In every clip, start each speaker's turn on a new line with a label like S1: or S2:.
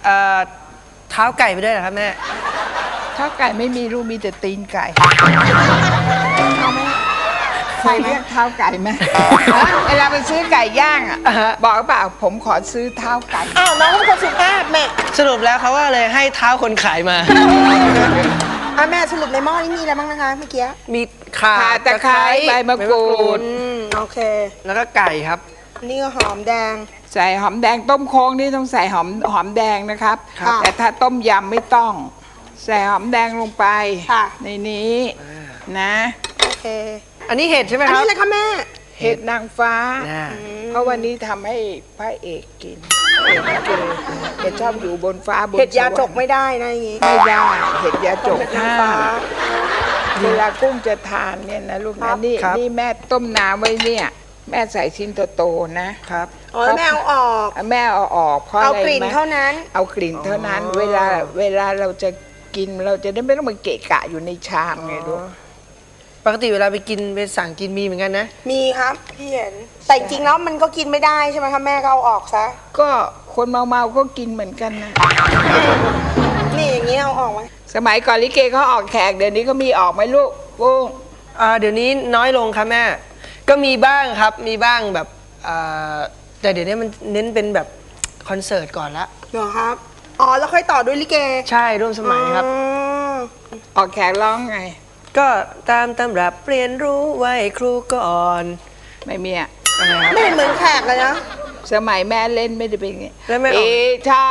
S1: เท้าไก่ไปด้วยเหรอครับแม่
S2: เท้าไก่ไม่มีลูกมีแต่ตีนไก่เอาไหมใครเรียกเท้าไก่ไหมเวลาไปซื้อไก่ย่างอ่ะบอกเปล่าผมขอซื้อเท้าไก่
S3: อ้าวน้องเป็นคนสุภาพแม่
S1: สรุปแล้วเขาว่าเลยให้เท้าคนขายมา
S3: แม่สรุปในหม้อนี้มีอะไรบ้างนะคะเมื่อกี้
S1: มีข่า
S2: ตะไคร้ใบมะกรูด
S3: โอเค
S1: แล้วก็ไก่ครับ
S3: นี่ก็หอมแดง
S2: ใส่หอมแดงต้มโค้งนี่ต้องใส่หอมแดงนะครับแต่ถ้าต้มยำไม่ต้องใส่หอมแดงลงไปในนี้นะ
S3: โอเค
S1: อันนี้เห็ดใช่ไหมครับ
S3: อันนี้อะไรคะแม่
S2: เห็ดนางฟ้าเพราะวันนี้ทำให้พระเอกกินเห็ดชอบอยู่บนฟ้าบน
S3: เห็ดยาจกไม่ได้นะอย่างงี้
S2: ไม่ได้เห็ดยาจกเวลากุ้งจะทานเนี่ยนะลูกนะนี่แม่ต้มน้ำไว้เนี่ยแม่ใส่ชิ้นโตๆนะครับ
S3: แม่เอาออก
S2: แม่เอาออกเพราะอะไร
S3: เอากลิ่นเท่านั้น
S2: เอากลิ่นเท่านั้นเวลาเราจะกินเราจะได้ไม่ต้องมาเกะกะอยู่ในชามไงลูก
S1: ปกติเวลาไปกินไปสั่งกินมีเหมือนกันนะ
S3: มีครับพี่เห็นแต่จริงแล้วมันก็กินไม่ได้ใช่ไหมคะแม่ก็เอาออกซะ
S2: ก็คนเมาก็กินเหมือนกันนะ
S3: นี่อย่างนี้เอาออกไหม
S2: สมัยก่อนลิเกเขาออกแขกเดี๋ยวนี้ก็มีออกไหมลูกกุ้ง
S1: เดี๋ยวนี้น้อยลงครับแม่ก็มีบ้างครับมีบ้างแบบแต่เดี๋ยวนี้มันเน้นเป็นแบบคอนเสิร์ตก่อนละ
S3: เหรอครับแล้วค่อยต่อด้วยลิเก
S1: ใช่ร่วมสมัยครับ
S2: ออกแขกร้องไง
S1: ก็ตามตำรับเรียนรู้ไว้ครูก่อน
S2: ไม่มีอะ
S3: ไม่เหมือนแขกเลยนะ
S2: สมัยแม่เล่นไม่ได้เป็นไง
S1: แล้วแม่
S2: เอชา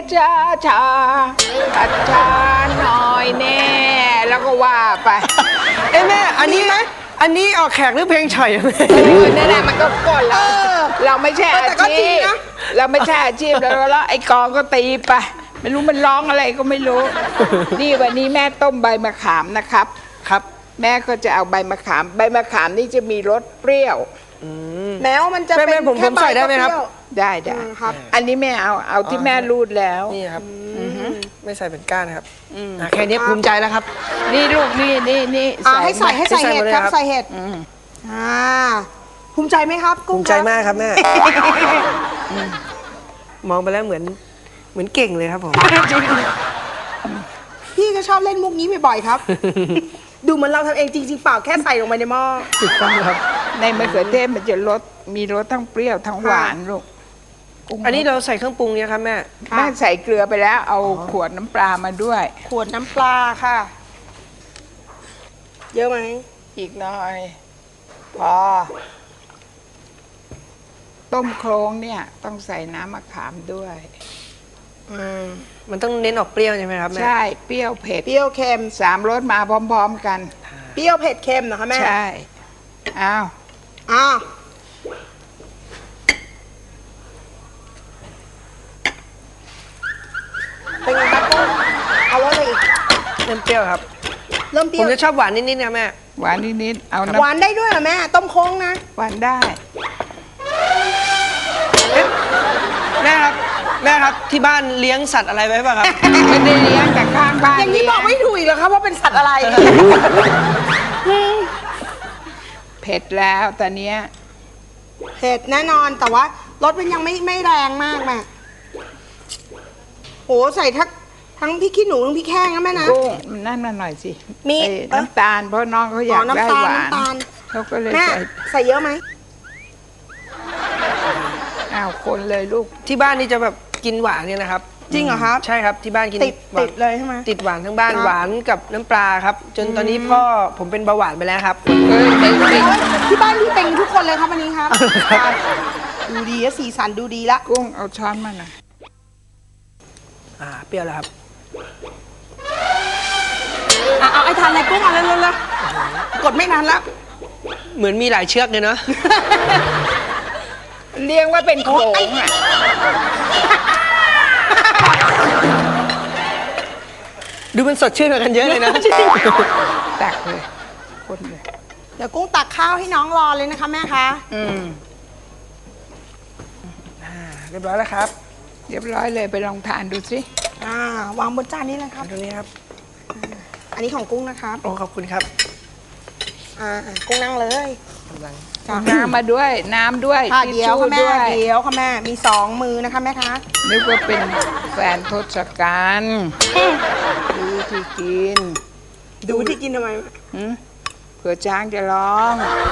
S2: อัจฉาหน่อยแน่แล้วก็ว่าไป
S1: แม่อันนี้ไหมอันนี้ออกแขกหรือเพลงฉ่อย
S2: นั่นแหละมันก็ก่อนเราไม่ใช่อาชีพเราไม่ใช่อาชีพแล้วไอ้กองก็ตีไปไม่รู้มันร้องอะไรก็ไม่รู้นี่วันนี้แม่ต้มใบมะขามนะครับ
S1: ครับ
S2: แม่ก็จะเอาใบมะขามนี่จะมีรสเปรี้ยว
S3: แม้ว่ามันจะเป็น
S1: ผมใส่ได้ไหมครับ
S2: ได้ครับอันนี้แม่เอาที่แม่รูดแล้ว
S1: นี่ครับไม่ใส่เป็นก้านครับแค่นี้ภูมิใจแล้วครับ
S2: นี่ลูกนี่
S3: ให้ใส่เห็ดครับใส่เห็ดภูมิใจไหมครับ
S1: ภูมิใจมากครับแม่มองไปแล้วเหมือนเก่งเลยครับผม
S3: พี่ก็ชอบเล่นมุกนี้บ่อยๆครับดูเหมือนเราทำเองจริงๆเปล่าแค่ใส่ลงไปในหม้อ
S1: ถูกต้องครับ
S2: ในมะเขือเทศมันจะมีรสทั้งเปรี้ยวทั้งหวานลูก
S1: อันนี้เราใส่เครื่องปรุงเนี่ยครับแม่
S2: ใส่เกลือไปแล้วเอาขวดน้ำปลามาด้วย
S3: ขวดน้ำปลาค่ะเยอะไหม
S2: อีกหน่อยพอต้มโครงเนี่ยต้องใส่น้ำมะขามด้วย
S1: มันต้องเน้นออกเปรี้ยวใช่ไหมครับแม่
S2: ใช่เปรี้ยวเผ็ด
S3: เปรี้ยวเค็ม
S2: 3 รสมาพร้อมๆกัน
S3: เปรี้ยวเผ็ดเค็มเหรอคะแม่
S2: ใช่อ้าว
S3: เป็นไงครับกุ้งเอารสอะไรอีก
S1: เริ่มเปรี้ยวครับ
S3: เริ่มเปรี้ยว
S1: ผมจะชอบหวานนิดๆนะแม่
S2: หวานนิดๆเอา
S3: หวานได้ด้วยเหรอแม่ต้มโค้งนะ
S2: หวานได้
S1: แม่ครับที่บ้านเลี้ยงสัตว์อะไรไว้ป่ะครับ
S2: ไม่ได้เลี้ยงแต่ข้างบ้าน
S3: อย่างนี้บอกไม่ถูกเหรอครับว่าเป็นสัตว์อะไร
S2: เผ็ดแล้วตอนนี้
S3: เผ็ดแน่นอนแต่ว่ารสมันยังไม่แรงมากแม่โหใส่ทั้งพริกขี้หนูทั้งพริกแห้งนะแม่นะ
S2: กุ้งนั่นมาหน่อยสิ
S3: มี
S2: น้ำตาลเพราะน้องเขาอยากได้หวานเขาก็เลย
S3: ใส่เยอะไหม
S2: คนเลยลูก
S1: ที่บ้านนี่จะแบบกินหวานเนี่ยนะครับ
S3: จริงเหรอครับ
S1: ใช่ครับที่บ้านกิน
S3: ติดเลยใช่ไหม
S1: ติดหวานทั้งบ้านหวานกับน้ำปลาครับจนตอนนี้พ่อผมเป็นเบาหวานไปแล้วครับ
S3: ที่บ้านพี่เป็นทุกคนเลยครับวันนี้ครับดูดีและสีสันดูดีละ
S2: กุ้งเอาช้อนมาหน่อย
S1: เปรี้ยวแล้วครับ
S3: เอาไอ้ทานอะไรกุ้งเอาแล้วกดไม่นานแล้ว
S1: เหมือนมีหลายเชือกเลยเนาะ
S2: เรียกว่าเป็นโขง
S1: ดูมันสดชื่นกว่ากันเยอะเลยนะ
S2: ตักเลยคนเลย
S3: เดี๋ยวกุ้งตักข้าวให้น้องรอเลยนะคะแม่คะ
S1: เรียบร้อยแล้วครับ
S2: เรียบร้อยเลยไปลองทานดูสิ
S3: วางบนจานนี้เลยครับ
S1: ตรงนี้ครับ
S3: อันนี้ของกุ้งนะครับ
S1: โอ้ขอบคุณครับ
S3: กุ้งนั่งเลย
S1: กำลัง
S2: น้ำมาด้วยน้ำด้วย
S3: ค่ะ
S2: ทิช
S3: เดี๋ยว
S2: ชู่
S3: ค่ะแม่
S2: ด้วย
S3: เดี๋ยวค่ะแม่มีสองมือนะคะแม่คะ
S2: นึกว่าเป็นแฟนทศกัณฐ์ดูที่กิน
S3: ดูที่กินทำไม
S2: เผื่อช้างจะร้อง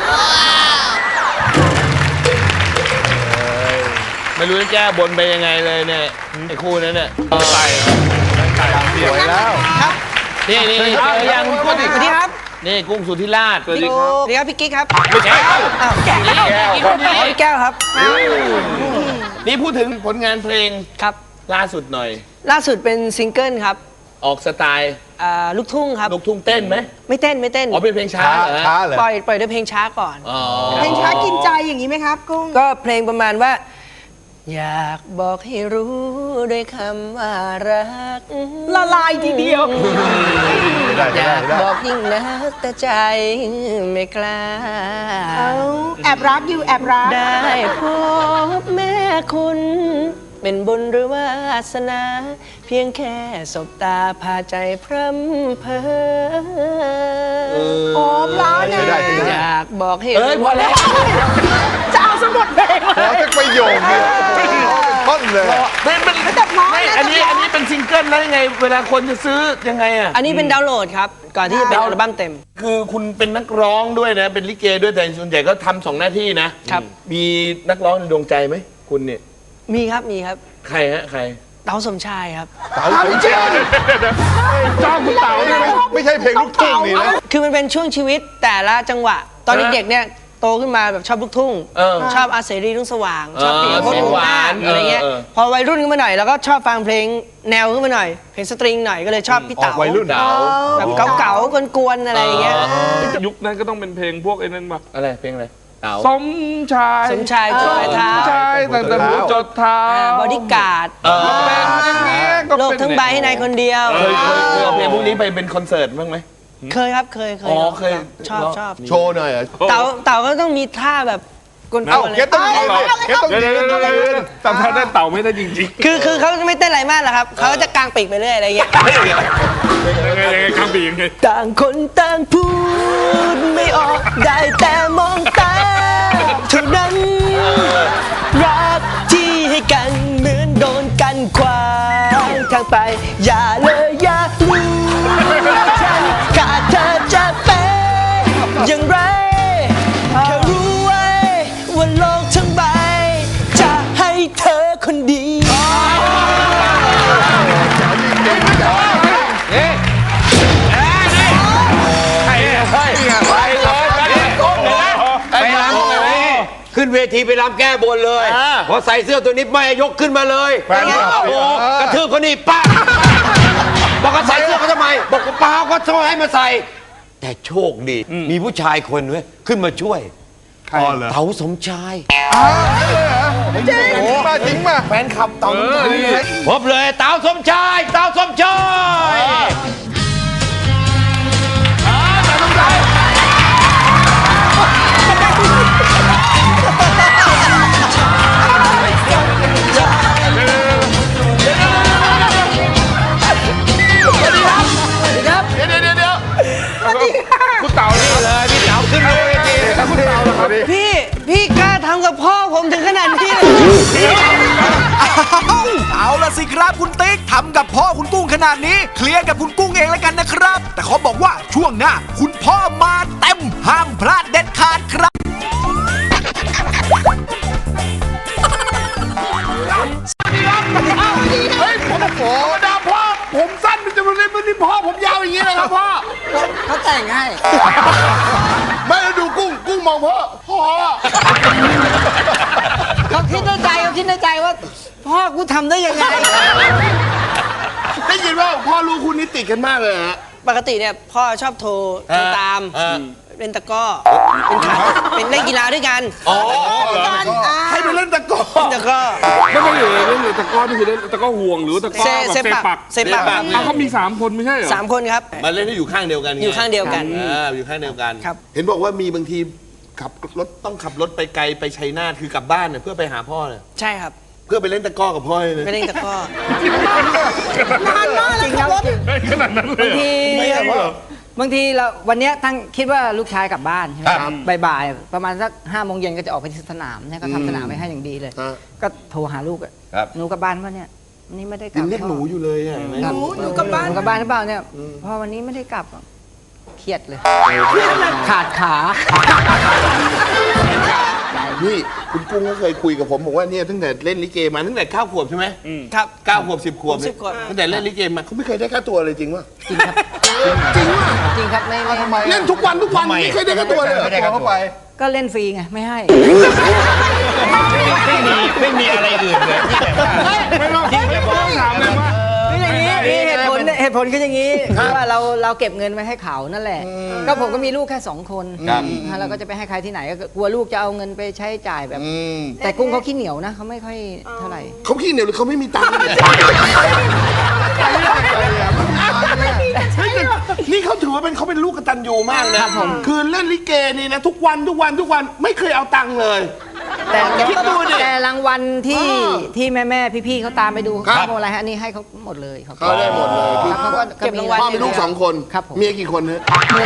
S4: ไม่รู้จะแก้บนไปยังไงเลยเนี่ยไอ้คู่นั้นเนี่ย
S5: ใส่สวยแล้ว
S4: นี่นี่นี่เจอยังพูดดิ
S1: สวัสดีครับ
S4: นี่กุ้งสุธิราชสวัสดี
S1: สวัสดีครับพี่กิ๊กครับ
S4: ไม่ใช่
S1: อ้าว
S4: แก้ว
S1: พี่แก้วครับ
S4: นี่พูดถึงผลงานเพลง
S1: ครับ
S4: ล่าสุดหน่อย
S1: ล่าสุดเป็นซิงเกิลครับ
S4: ออกสไตล์
S1: ลูกทุ่งครับ
S4: ลูกทุ่งเต้นไหม
S1: ไม่เต้นไม่เต้น
S4: อ๋อเป็นเพลงช้า
S5: ช้า
S4: เหรอ
S5: ช้าเลย
S1: ปล่อยด้วยเพลงช้าก่อน
S4: อ๋อ
S3: เพลงช้ากินใจอย่างนี้ไหมครับกุ้ง
S1: ก็เพลงประมาณว่า อยากบอกให้รู้ด้วยคำว่ารัก
S3: ละลายทีเดียว
S5: ได้
S1: อ
S5: ได้
S1: ยาก
S5: ได้
S1: บอกยิ่งนักแต่ใจไม่กล้า
S3: เอาแอบรักอยู่แอบรัก
S1: ได้พบแม่คุณ เป็นบุญหรือวาสนา เพียงแค่สบตาพาใจพร่ำเพอ
S3: โอ้พร้าวนะ
S5: ใช้ได้ใช้
S1: อ
S5: ได้
S1: ยากบอกให้
S4: เอ้ยพอแล้ว
S3: จะเอาสมุดเพลงมา
S5: ขอสักประโยคเดียวเป็นท่อนเลย
S3: แต่พร้อม
S4: ไม่
S3: นะ
S4: อันนี้เป็นซิงเกิลแล้วยังไง เวลาคนจะซื้อยังไงอ่ะ
S1: อันนี้เป็นดาวน์โหลดครับ ก่อนที่จะเป็นอัลบั้มเต็ม
S4: คือคุณเป็นนักร้องด้วยนะ เป็นลิเกด้วยแต่ส่วนใหญ่ก็ทำสองหน้าที่นะครับ มีนักร้องในดวงใจไหมคุณเนี่ย
S1: มีครับมีครับ
S4: ใครฮะใคร
S1: เต๋าสมชายครับ
S5: เต๋าสมชายจ้องคุณเต๋านี่ไม่ใช่เพลงลูกทุ่งนี่นะ
S1: คือมันเป็นช่วงชีวิตแต่ละจังหวะ ตอนเด็กๆเนี่ยโตขึ้นมาแบบชอบลูกทุ่ง
S4: เออ
S1: ชอบอาเสรีรุ่งสว่าง ชอบเพลง
S4: เออ
S1: พวก
S4: เสียงหวาน
S1: อะไรเงี้ย
S4: เออ
S1: พอวัยรุ่นขึ้นมาหน่อยเราก็ชอบฟังเพลงแนวขึ้นมาหน่อย เพลงสตริงหน่อยก็เลยชอบพี่
S5: ออ
S1: เต๋าก
S5: วัยรุ่น
S4: เต๋า
S1: แบบเก่าๆกวนๆอะไรอย่างเงี้ย
S6: ยุคนั้นก็ต้องเป็นเพลงพวกไอ้นั่นมา
S4: อะไรเพลงอะไรเต๋า
S6: สมชาย
S1: สมชายจดปลายเท้า
S6: ใช่ตั้งแต่หัวจดเท้า
S1: บอดี้การ์ด
S6: เป็นอย่างนี้ก็
S1: โลก
S6: เป็น
S1: ทั้งใบให้นายคนเดียว
S4: เคยเอาเพลงพวกนี้ไปเป็นคอนเสิร์ตบ้างไหม
S1: เคยครับเคย
S4: อ๋อเคย
S1: ชอบชอบ
S5: โชว์หน่อยอ่ะ
S1: เต๋าก็ต้องมีท่าแบบกวนๆ
S5: เอ้า
S1: อะไร
S5: เก็ตต้องยืนเก็ตต้อง
S6: เดี๋ยว
S5: ยืน
S6: จำท่าได้เต่าไม่ได้จริง
S1: คือเขาไม่เต้นอะไรมากหรอกครับเขาจะกางปีกไปเรื่อยอะไรเงี้ย
S6: ๆยังไงกลางปียังไง
S1: ต่างคนต่างพูดไม่ออกได้แต่มองตาเท่านั้นรักที่ให้กันเหมือนโดนกันขวางทางไป อย่าเลยอย่ารู้ว่าฉันขาดเธอจะเป็นอย่างไรแค่รู้ไว้ว่าโลกทั้งใบ จะให้เธอคนเดียว
S4: ไปรำไง
S7: ขึ้นเวทีไปรำแก้บนเลย พอใส่เสื้อตัวนี้ไม่ยกขึ้นมาเลย
S5: แฟนคลับ
S7: โอ้โหกระทืบเขานี่ป้าบอกว่าใส่เสื้อเขาทำไม บอกว่าเปล่าก็ช่วยให้มาใส่ แต่โชคดี มีผู้ชายคนเว้ยขึ้นมาช่วย
S5: อ๋อเหรอ
S7: เต๋าสมชาย
S5: จริงมาจริงมา
S4: แฟนคลับเต๋า
S7: พบเลยเต๋าสมชายเต๋าสมชาย
S4: เดี๋ยว
S6: คุณเต่านี่
S7: เลยพี่เต๋าขึ้นมาเวที
S1: พี่กล้าทำกับพ่อผมถึงขนาดนี้เลย
S8: เอาล่ะสิครับคุณติ๊กทำกับพ่อคุณกุ้งขนาดนี้ เคลียร์กับคุณกุ้งเองแล้วกันนะครับ แต่เขาบอกว่าช่วงหน้าคุณพ่อมาเต็มห้ามพลาดเด็ดขาดครับ
S4: เฮ้ยผมธรรมดาพ่อผมสั้นมันจะมาเล่นมันนี่พ่อผมยาวอย่างนี้เลยครับพ่อ
S1: เขาแต่งให้
S4: ไม่แล้วดูกุ้งมองพ่อ
S1: เขาคิดในใจว่าพ่อกูทำได้ยังไง
S4: ได้ยินว่าพ่อลูกคุณนี่ติดกันมากเลยฮะ
S1: ปกติเนี่ยพ่อชอบโทรตาม เล่นตะกร้อเป็นเล่นกีฬาด้วยกัน
S4: ให้ไปเล่นตะกร้อ
S1: ตะกร้อ
S6: ไม่ใช่เหรอเล่นตะก้อนี่คือเล่นตะก้อห่วงหรือตะก้อแบบ
S1: เซปัก
S6: เอาเขามี3 คนไม่ใช่เหรอ
S1: 3 คนครับ
S4: มาเล่นให้อยู่ข้างเดียวกัน
S1: อยู่ข้างเดียวกัน
S4: อยู่ข้างเดียวกัน
S1: ครับ
S4: เห็นบอกว่ามีบางทีขับรถต้องขับรถไปไกลไปชัยนาทคือกลับบ้านเนี่ยเพื่อไปหาพ่อเนี่ย
S1: ใช่ครับ
S4: เพื่อไปเล่นตะกร้อกับพ่อเลย
S1: ไม่เล่นตะกร้อน
S3: านมากเลยครับรถ
S6: ขนาดนั้นเลย
S1: บางที
S9: บางทีเราวันเนี้ยตั้งคิดว่าลูกชายกลับบ้านใช่ไหมบ่ายๆประมาณสัก5 โมงเย็นก็จะออกไปที่สนามเนี่ยก็ทำสนามไว้ให้อย่างดีเลย ก็โทรหาลูกอะหนูกลับบ้านป่ะเนี่ยวันนี้ไม่ได้กลั
S4: ยั
S9: บ
S4: งเรียกหนูอยู่เลยอ่ะ
S9: ครับ
S3: หนูกลับบ้าน
S9: หนูกลับบ้านหรือเปล่าเนี่ยพอวันนี้ไม่ได้กลับอะเครียดเลยขาดขา
S4: นี่คุณกุ้งก็เคยคุยกับผมบอกว่าเนี่ยตั้งแต่เล่นลิเกมาตั้งแต่9 ขวบใช่ไหมครับ9 ขวบ10 ขวบ
S1: 10 ขวบ
S4: ตั้งแต่เล่นลิเกมาเขาไม่เคยได้ค่าตัวเลยจริงวะ
S9: จริงครับจริงครับไม่
S4: เล่นทุกวันไม่เคยได้ค่าตัวเลย
S7: ไม่ได้ค่าตัว
S9: ก็เล่นฟรีไงไม่ให้
S7: ไม่มีอะไรอื่นเลยที่แบบว่า
S6: ไม่ต้องถามเลยว่า
S9: คืออย่างนี้เหตุผลคืออย่างนี้คือว่าเราเก็บเงินไว้ให้เขานั่นแหละ ก็ผมก็มีลูกแค่2 คนเราก็จะไปให้ใครที่ไหนก็กลัวลูกจะเอาเงินไปใช้จ่ายแบบ แต่กุ้งเขาขี้เหนียวนะเขาไม่ค่อยเท่าไหร่
S4: เขาขี้เหนียวหรือเขาไม่มีตังค์นี่เขาถือว่าเขาเป็นลูกกตัญญูมากนะคือเล่นลิเกนี่นะทุกวันไม่เคยเอาตังค์เลย
S9: แต่
S4: คิดดูดิ
S9: แต่รางวัลที่แม่พี่ๆเขาตามไปดูเขาอะไรฮะอันนี่ให้เขาหมดเลยครับ
S4: เขาได้หมดเลย
S9: ครับเขาก็
S3: เก็บรางวัล
S4: พ่อมีลูก2 คน
S9: ครับผม
S4: เมียกี่คนเนี่ย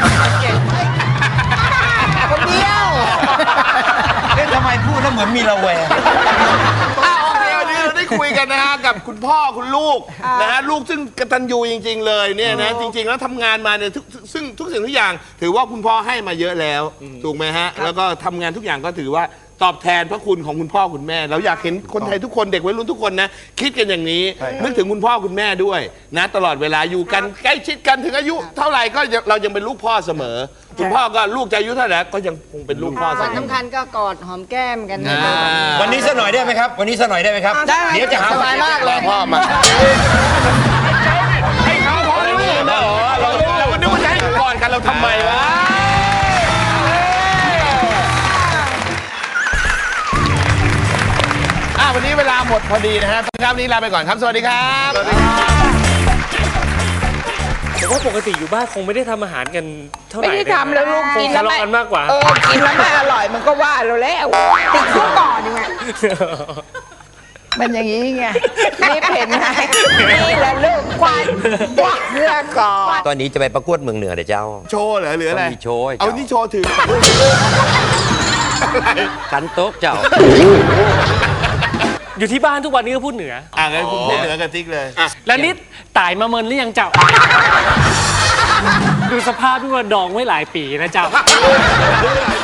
S9: คนเดียว
S7: เอ๊ะทำไมพูดแล้วเหมือนมีระแวง
S4: โอเควันนี้เราได้คุยกันนะฮะกับคุณพ่อคุณลูกนะฮะลูกซึ่งกตัญญูจริง ๆ เลยเนี่ยนะจริง ๆ แล้วทำงานมาเนี่ยซึ่งทุกสิ่งทุกอย่าง ถือว่าคุณพ่อให้มาเยอะแล้วถูกไหมฮะแล้วก็ทำงานทุกอย่างก็ถือว่าตอบแทนพระคุณของคุณพ่อคุณแม่เราอยากเห็นคนไทยทุกคนเด็กวัยรุ่นทุกคนนะคิดกันอย่างนี้นึกถึงคุณพ่อคุณแม่ด้วยนะตลอดเวลาอยู่กันใกล้ชิดกันถึงอายุเท่าไหร่ก็เรายังเป็นลูกพ่อเสมอ คุณพ่อก็ลูกจะอายุเท่าไหร่ก็ยังคงเป็นลูกพ่อเส
S9: วัน
S4: มอ
S9: สำคัญก็กอดหอมแก้มกัน
S7: วันนี้สักหน่อยได้ไหมครับ วันนี้สักหน่อยได้ไหมครับ
S3: ได้
S7: เดี๋ยวจะหา
S9: สบายมากเลย
S4: พ่อมาเราก็นึกว่าจะให้ก่อนกันเราทำไมวะวันนี้เวลาหมดพอดีนะฮะครับวันนี้ลาไปก่อนครับสวัสดีครับ
S1: ผมว่าปกติอยู่บ้านคงไม่ได้ทำอาหารกันเท่าไหร่
S2: ไม่ได้ทำแล้วลูก
S1: ค
S2: กิ
S1: ง
S2: น
S1: ทะ
S2: แล้ว
S1: เลาะกันมากกว่า
S2: กินแล้วไม่อร่อยมันก็ว่าเราแล้ว
S3: ติดคุกก่อนดีไหม
S2: มันอย่างนี้ไงรีบเห็นไงนี่แหละลูกควายเพื่อก่อน
S7: ตอนนี้จะไปประกวดเมืองเหนือเดี๋ยวเจ้า
S4: โชว์เหรอหรืออะไร
S7: มีโชว์ให้
S4: เอา
S7: เจ้า
S4: นี่โชว์ถึง
S7: กันโต๊ะเจ้า
S1: อยู่ที่บ้านทุกวันนี้ก็พูดเหนือ
S4: งั้นคุณพูดเหนือกับติ๊กเลย
S1: แล้วนี่ตายมาเมินหรือยังเจ้า ดูสภาพที่ว่าดองไว้หลายปีนะเจ้า